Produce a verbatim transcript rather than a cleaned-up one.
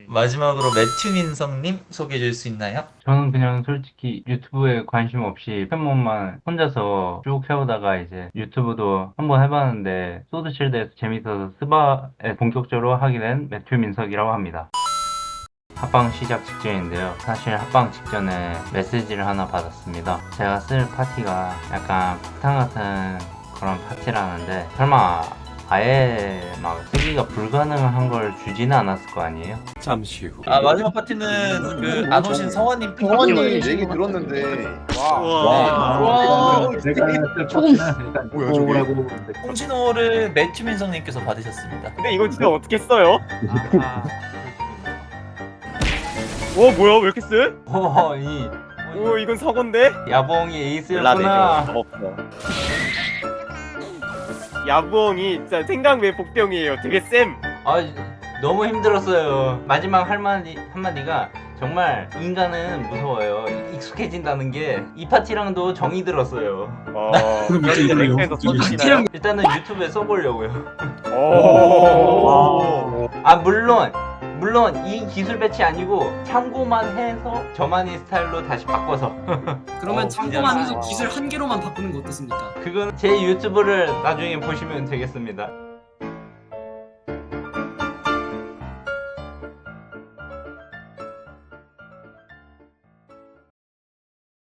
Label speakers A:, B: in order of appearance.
A: 마지막으로 매튜 민성님 소개해 줄 수 있나요?
B: 저는 그냥 솔직히 유튜브에 관심 없이 포켓몬만 혼자서 쭉 해오다가 이제 유튜브도 한번 해봤는데 소드실드에서 재밌어서 스바에 본격적으로 하게 된 매튜 민석이라고 합니다. 합방 시작 직전인데요. 사실 합방 직전에 메시지를 하나 받았습니다. 제가 쓸 파티가 약간 폭탄 같은 그런 파티라는데 설마 아예 막 쓰기가 불가능한 걸 주지는 않았을 거 아니에요?
C: 잠시 후.
A: 아 마지막 파티는 그 안 오신 성원님
D: 성원님
A: 픽
D: 얘기 들었는데
C: 와.
D: 와.
E: 조금
D: 뭐야 저게?
A: 홍진호를 매튜 민성님께서 받으셨습니다.
F: 근데 이건 진짜 어떻게 써요? 오 뭐야 왜 이렇게 쓰?
B: 오, 이
F: 오 이건 서건데?
B: 야봉이 에이스였구나.
F: 없어. 야부엉이 진짜 생강왜 복병이에요. 되게 쌤.
B: 아, 너무 힘들었어요. 마지막 한마디, 한마디가 정말 인간은 무서워요. 익숙해진다는 게 이 파티랑도 정이 들었어요.
F: 어.
G: 그럼 이제 이걸로
F: 랭크에서
G: 영상
F: 써주시나요?
B: 일단은 유튜브에 써보려고요.
F: 오.
B: 아, 물론, 물론 이 기술 배치 아니고 참고만 해서 저만의 스타일로 다시 바꿔서.
E: 그러면
A: 어,
E: 참고만 해서
F: 그냥-
E: 기술 한 개로만 바꾸는 거 어떻습니까?
B: 그건 제 유튜브를 나중에 보시면 되겠습니다.